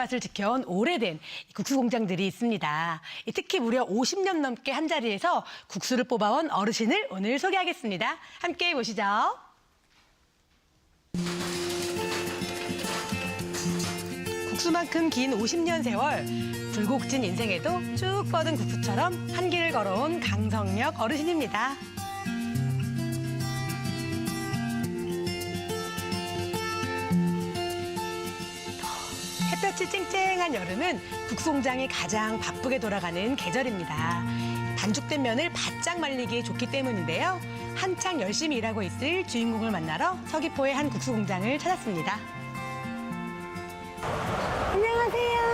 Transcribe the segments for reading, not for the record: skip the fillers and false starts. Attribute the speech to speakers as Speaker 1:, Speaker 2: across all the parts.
Speaker 1: 맛을 지켜온 오래된 국수 공장들이 있습니다. 특히 무려 50년 넘게 한자리에서 국수를 뽑아온 어르신을 오늘 소개하겠습니다. 함께 보시죠. 국수만큼 긴 50년 세월, 굴곡진 인생에도 쭉 뻗은 국수처럼 한 길을 걸어온 강성력 어르신입니다. 햇볕이 쨍쨍한 여름은 국수 공장이 가장 바쁘게 돌아가는 계절입니다. 반죽된 면을 바짝 말리기에 좋기 때문인데요. 한창 열심히 일하고 있을 주인공을 만나러 서귀포의 한 국수 공장을 찾았습니다. 안녕하세요.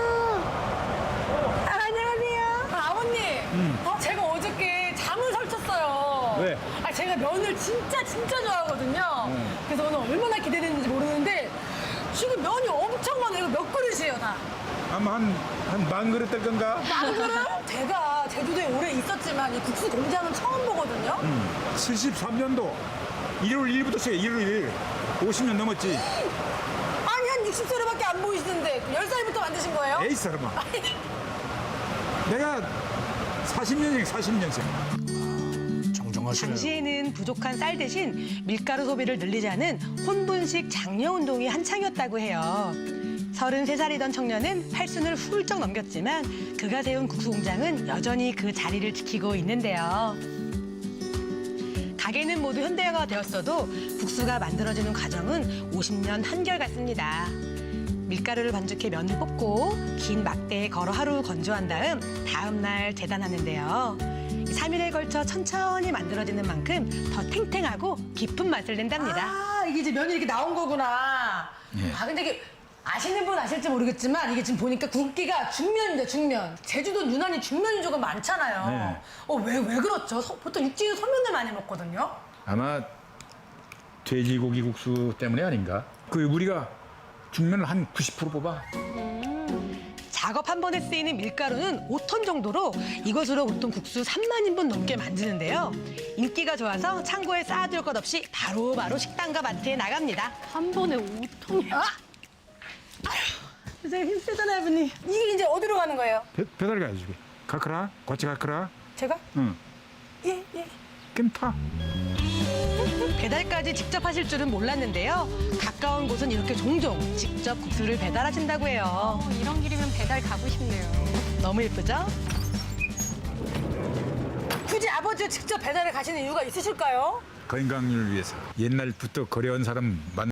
Speaker 1: 안녕하세요.
Speaker 2: 아버님, 제가 어저께 잠을 설쳤어요.
Speaker 3: 왜?
Speaker 2: 제가 면을 진짜 좋아하거든요. 그래서 오늘 얼마나 기대되는지 모르는데 지금 면이 엄청 많아요. 이거 몇 그릇이에요, 다?
Speaker 3: 아마 한 만 그릇 될 건가?
Speaker 2: 만 그릇? 제가 제주도에 오래 있었지만 이 국수 공장은 처음 보거든요.
Speaker 3: 73년도 1월 1일부터 시작해. 1월 1일. 50년 넘었지.
Speaker 2: 아니, 한 60세로밖에 안 보이시는데 10살부터 만드신 거예요?
Speaker 3: 에이 사람아. 내가 40년생. 정정하시네요.
Speaker 1: 당시에는 부족한 쌀 대신 밀가루 소비를 늘리자는 혼분식 장려 운동이 한창이었다고 해요. 33살이던 청년은 팔순을 훌쩍 넘겼지만 그가 세운 국수 공장은 여전히 그 자리를 지키고 있는데요. 가게는 모두 현대화가 되었어도 국수가 만들어지는 과정은 50년 한결같습니다. 밀가루를 반죽해 면을 뽑고 긴 막대에 걸어 하루 건조한 다음 날 재단하는데요. 3일에 걸쳐 천천히 만들어지는 만큼 더 탱탱하고 깊은 맛을 낸답니다.
Speaker 2: 아, 이게 이제 면이 이렇게 나온 거구나.
Speaker 3: 예.
Speaker 2: 근데 이게 아시는 분 아실지 모르겠지만 이게 지금 보니까 굵기가 중면입니다, 중면. 제주도는 유난히 중면이 조금 많잖아요.
Speaker 3: 네.
Speaker 2: 왜 그렇죠? 보통 육지는 소면을 많이 먹거든요.
Speaker 3: 아마 돼지고기 국수 때문에 아닌가? 그 우리가 중면을 한 90% 뽑아.
Speaker 1: 작업 한 번에 쓰이는 밀가루는 5톤 정도로 이것으로 보통 국수 3만 인분 넘게 만드는데요. 인기가 좋아서 창고에 쌓아둘 것 없이 바로바로 식당과 마트에 나갑니다.
Speaker 4: 한 번에 5톤이요?
Speaker 2: 선생님 힘세잖아요, 분이. 이게 이제 어디로 가는 거예요?
Speaker 3: 배달 가야지. 가크라? 같이 가크라?
Speaker 2: 제가?
Speaker 3: 응.
Speaker 2: 예.
Speaker 3: 그럼 타.
Speaker 1: 배달까지 직접 하실 줄은 몰랐는데요. 가까운 곳은 이렇게 종종 직접 국수를 배달하신다고 해요.
Speaker 4: 이런 길이면 배달 가고 싶네요.
Speaker 1: 너무 예쁘죠?
Speaker 2: 굳이 아버지가 직접 배달을 가시는 이유가 있으실까요?
Speaker 3: 건강을 위해서. 옛날부터 거래한 사람 만